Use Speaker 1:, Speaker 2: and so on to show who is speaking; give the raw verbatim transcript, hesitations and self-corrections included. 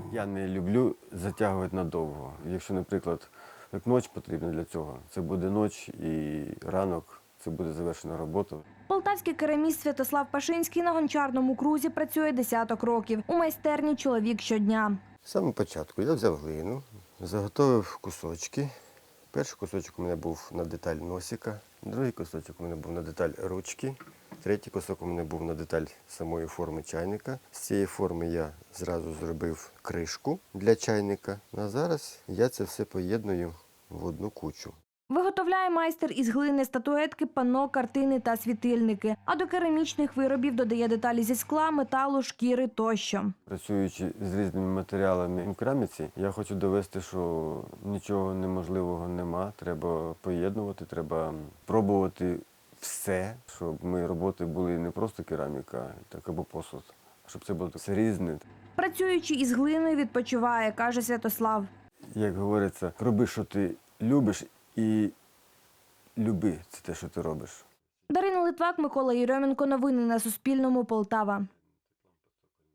Speaker 1: Я не люблю затягувати надовго. Якщо, наприклад, як ніч потрібна для цього, це буде ніч і ранок, це буде завершена робота.
Speaker 2: Полтавський кераміст Святослав Пашинський на гончарному крузі працює десяток років. У майстерні чоловік щодня.
Speaker 3: З самого початку я взяв глину, заготовив кусочки. Перший кусочок у мене був на деталь носика, другий кусочок у мене був на деталь ручки, третій кусок у мене був на деталь самої форми чайника. З цієї форми я зразу зробив кришку для чайника. А зараз я це все поєдную в одну кучу.
Speaker 2: Виготовляє майстер із глини статуетки, панно, картини та світильники. А до керамічних виробів додає деталі зі скла, металу, шкіри тощо.
Speaker 1: Працюючи з різними матеріалами в кераміці, я хочу довести, що нічого неможливого нема. Треба поєднувати, треба пробувати все, щоб мої роботи були не просто кераміка, так або посуд, а щоб це було все різне.
Speaker 2: Працюючи із глиною, відпочиває, каже Святослав.
Speaker 1: Як говориться, роби, що ти любиш, і люби це те, що ти робиш.
Speaker 2: Дарина Литвак, Микола Єрьоменко. Новини на Суспільному. Полтава.